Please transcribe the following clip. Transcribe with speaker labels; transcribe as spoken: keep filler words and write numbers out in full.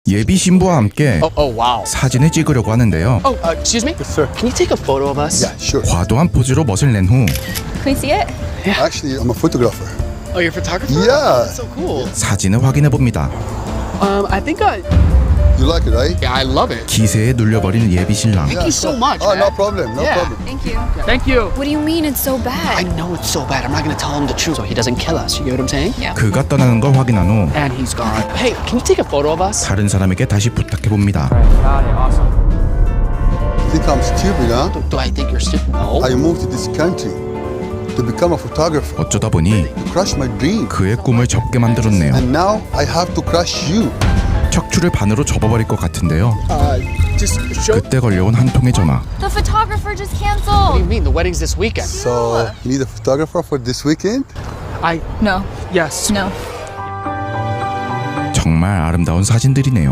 Speaker 1: 예비 신부와 함께
Speaker 2: Oh, oh, wow.
Speaker 1: 사진을 찍으려고 하는데요.
Speaker 2: Oh, uh, excuse me?
Speaker 3: Yes, sir.
Speaker 2: Can you take a photo of us?
Speaker 3: Yeah, sure.
Speaker 1: 과도한 포즈로 멋을 낸 후
Speaker 4: Can we see it?
Speaker 3: Actually, I'm a photographer.
Speaker 2: Oh, you're a photographer?
Speaker 3: Yeah.
Speaker 2: That's so cool.
Speaker 1: 사진을 확인해 봅니다.
Speaker 2: Um, I think I...
Speaker 3: You like it, right?
Speaker 2: Yeah, I love it.
Speaker 1: 기세에 눌려버리는 예비 신랑.
Speaker 2: Thank you so much,
Speaker 3: Oh,
Speaker 2: man.
Speaker 3: no problem, no
Speaker 2: Yeah.
Speaker 3: problem.
Speaker 4: Thank you.
Speaker 2: Thank you.
Speaker 4: What do you mean it's so
Speaker 2: I
Speaker 4: bad?
Speaker 2: know it's so bad. I'm not going to tell him the truth so he doesn't kill us. You get what I'm saying?
Speaker 4: Yeah.
Speaker 1: 그가 떠나는 걸 확인한 후
Speaker 2: And he's gone. Hey, can you take a photo of us?
Speaker 1: 다른 사람에게 다시 부탁해 봅니다.
Speaker 3: Think I'm stupid, huh?
Speaker 2: Do, do I think you're stupid? No.
Speaker 3: I moved to this country to become a photographer.
Speaker 1: 어쩌다 보니
Speaker 3: To crush my dream.
Speaker 1: 그의 꿈을 접게 만들었네요.
Speaker 3: And now I have to crush you.
Speaker 1: 척추를 반으로 접어버릴 것 같은데요.
Speaker 2: Uh, just show...
Speaker 1: 그때 걸려온 한 통의 전화.
Speaker 4: The photographer just
Speaker 2: What do you
Speaker 4: canceled.
Speaker 2: mean? The wedding's this weekend.
Speaker 3: So, you need a photographer for this weekend?
Speaker 2: I...
Speaker 4: No.
Speaker 2: Yes.
Speaker 4: No.
Speaker 1: 정말 아름다운 사진들이네요.